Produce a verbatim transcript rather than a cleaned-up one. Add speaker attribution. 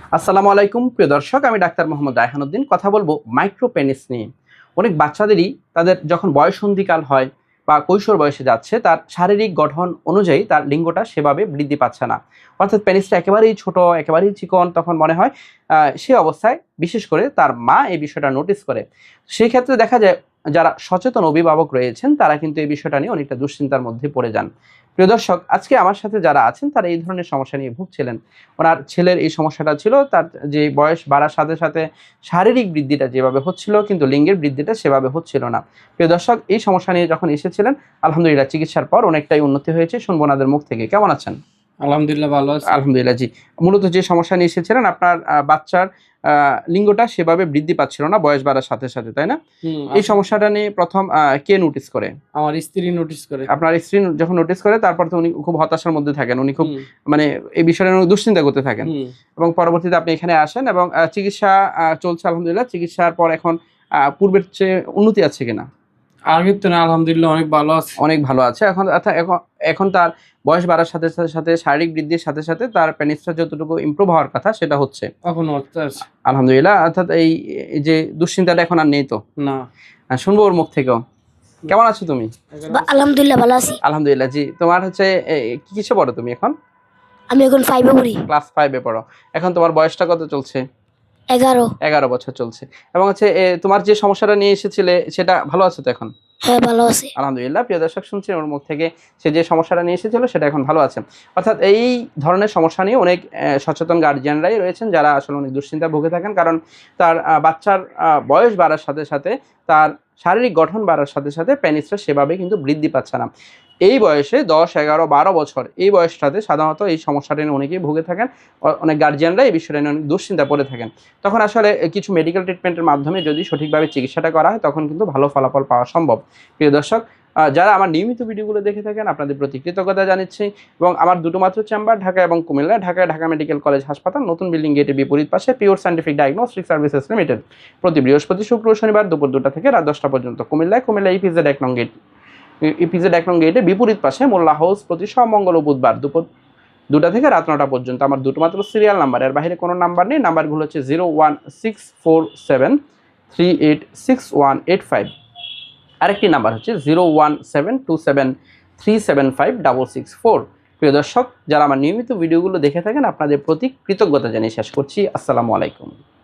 Speaker 1: আসসালামু আলাইকুম প্রিয় দর্শক, আমি ডাক্তার মোহাম্মদ রায়হানুদ্দিন। কথা বলবো মাইক্রো পেনিস নিয়ে। অনেক বাচ্চাদেরই তাদের যখন বয়ঃসন্ধিকাল হয় বা কৈশোর বয়সে যাচ্ছে, তার শারীরিক গঠন অনুযায়ী তার লিঙ্গটা সেভাবে বৃদ্ধি পাচ্ছে না, অর্থাৎ পেনিসটা একেবারেই ছোট, একেবারেই চিকন। তখন মনে হয় আহ, সে অবস্থায় বিশেষ করে তার মা এই বিষয়টা নোটিস করে। সেই ক্ষেত্রে দেখা যায় যারা সচেতন অভিভাবক রয়েছেন তারা কিন্তু এই বিষয়টা নিয়ে অনেকটা দুশ্চিন্তার মধ্যে পড়ে যান। প্রিয় দর্শক, আজকে আমার সাথে যারা আছেন তারা এই ধরনের সমস্যা নিয়ে ভুগছিলেন। ওনার ছেলের এই সমস্যাটা ছিল, তার যে বয়স বাড়ার সাথে সাথে শারীরিক বৃদ্ধিটা যেভাবে হচ্ছিল কিন্তু লিঙ্গের বৃদ্ধিটা সেভাবে হচ্ছিল না। প্রিয় দর্শক, এই সমস্যা নিয়ে যখন এসেছিলেন, আলহামদুলিল্লাহ চিকিৎসার পর অনেকটাই উন্নতি হয়েছে। শুনবো ওনাদের মুখ থেকে। কেমন আছেন?
Speaker 2: আলহামদুলিল্লাহ ভালো আছি।
Speaker 1: আলহামদুলিল্লাহ। জি, মূলত যে সমস্যা নিয়ে এসেছিলেন, আপনার আহ, বাচ্চার আহ, লিঙ্গটা সেভাবে বৃদ্ধি পাচ্ছিল না বয়স বাড়ার সাথে সাথে, তাই না?
Speaker 2: হুম,
Speaker 1: এই সমস্যাটা নিয়ে প্রথম আহ, কে নোটিস করে?
Speaker 2: আমার স্ত্রী নোটিস করে।
Speaker 1: আপনার স্ত্রী যখন নোটিস করে, তারপর তো উনি খুব হতাশার মধ্যে থাকেন, উনি খুব
Speaker 2: হুম,
Speaker 1: মানে এই বিষয়ে উনি দুশ্চিন্তা করতে থাকেন।
Speaker 2: হুম।
Speaker 1: এবং পরবর্তীতে আপনি এখানে আসেন এবং আহ, চিকিৎসা আহ, চলছে আলহামদুলিল্লাহ। চিকিৎসার পর এখন আহ, পূর্বের চেয়ে উন্নতি আছে কিনা?
Speaker 2: আগের তো না, আলহামদুলিল্লাহ অনেক ভালো আছে।
Speaker 1: অনেক ভালো আছে এখন। অর্থাৎ এখন এখন তার বয়স বাড়ার সাথে সাথে সাথে শারীরিক বৃদ্ধির সাথে সাথে তার পেনিসটা যতটুকু ইমপ্রুভ হওয়ার কথা সেটা হচ্ছে
Speaker 2: এখন হচ্ছে আছে।
Speaker 1: আলহামদুলিল্লাহ। অর্থাৎ এই এই যে দুশ্চিন্তাটা এখন আর নেই তো?
Speaker 2: না।
Speaker 1: আহ, শুনবো ওর মুখ থেকেও। কেমন আছো তুমি?
Speaker 3: বা- আলহামদুলিল্লাহ ভালো আছি।
Speaker 1: আলহামদুলিল্লাহ। জি, তোমার হচ্ছে এ, কি কিসে পড়ো তুমি এখন?
Speaker 3: আমি এখন ফাইভে পড়ি।
Speaker 1: ক্লাস ফাইভে পড়ো। এখন তোমার বয়সটা কত চলছে?
Speaker 3: এগারো।
Speaker 1: এগারো বছর চলছে। এবং হচ্ছে এ, তোমার যে সমস্যাটা নিয়ে এসেছিলে সেটা ভালো আছে তো এখন?
Speaker 3: হ্যাঁ ভালো আছি।
Speaker 1: আলহামদুলিল্লাহ। প্রিয় দর্শক, শুনছি ওর মুখ থেকে সে যে সমস্যাটা নিয়ে এসেছিল সেটা এখন ভালো আছে। অর্থাৎ এই ধরনের সমস্যা নিয়ে অনেক আহ, সচেতন গার্জিয়ানরাই রয়েছেন যারা আসলে অনেক দুশ্চিন্তা ভুগে থাকেন, কারণ তার আহ, বাচ্চার আহ, বয়স বাড়ার সাথে সাথে তার শারীরিক গঠন বাড়ার সাথে সাথে পেনিসটা সেভাবে কিন্তু বৃদ্ধি পাচ্ছে না। এই বয়সে দশ এগারো বারো বছর এই বয়সটাতে সাধারণত এই সমস্যাটা নিয়ে অনেকেই ভুগে থাকেন। অ- অনেক গার্জিয়ানরা এই বিষয়টা নিয়ে অনেক দুশ্চিন্তা পড়ে থাকেন। তখন আসলে কিছু মেডিকেল ট্রিটমেন্টের মাধ্যমে যদি সঠিকভাবে চিকিৎসাটা করা হয় তখন কিন্তু ভালো ফলাফল পাওয়া সম্ভব। প্রিয় দর্শক, আহ, যারা আমার নিয়মিত ভিডিওগুলো দেখে থাকেন আপনাদের প্রতি কৃতজ্ঞতা জানাচ্ছি। এবং আমার দুটো মাত্র চেম্বার ঢাকা এবং কুমিল্লা। ঢাকায় ঢাকা মেডিকেল কলেজ হাসপাতাল, নতুন বিল্ডিং গেটের বিপরীত পাশে, pure scientific diagnostic services limited. প্রতি বৃহস্পতি শুক্র শনিবার দুপুর দুটা থেকে রাত দশটা পর্যন্ত কুমিল্লায়। কুমিল্লা ইপিজেড এক নং গেট ইপিজেড এক নং গেটে বিপরীত পাশে মোল্লা হাউস। প্রতি সোমঙ্গল ও বুধবার দুপুর দুটা থেকে রাত নটা পর্যন্ত। আমার দুটো মাত্র সিরিয়াল নাম্বার, এর বাইরে কোনো নাম্বার নেই। নাম্বারগুলো হচ্ছে zero one six four seven three eight six one eight five. আরেকটি নাম্বার হচ্ছে zero one seven two seven three seven five double six four. প্রিয় দর্শক, যারা আমার নিয়মিত ভিডিওগুলো দেখে থাকেন আপনাদের প্রতি কৃতজ্ঞতা জানিয়ে শেষ করছি। আসসালামু আলাইকুম।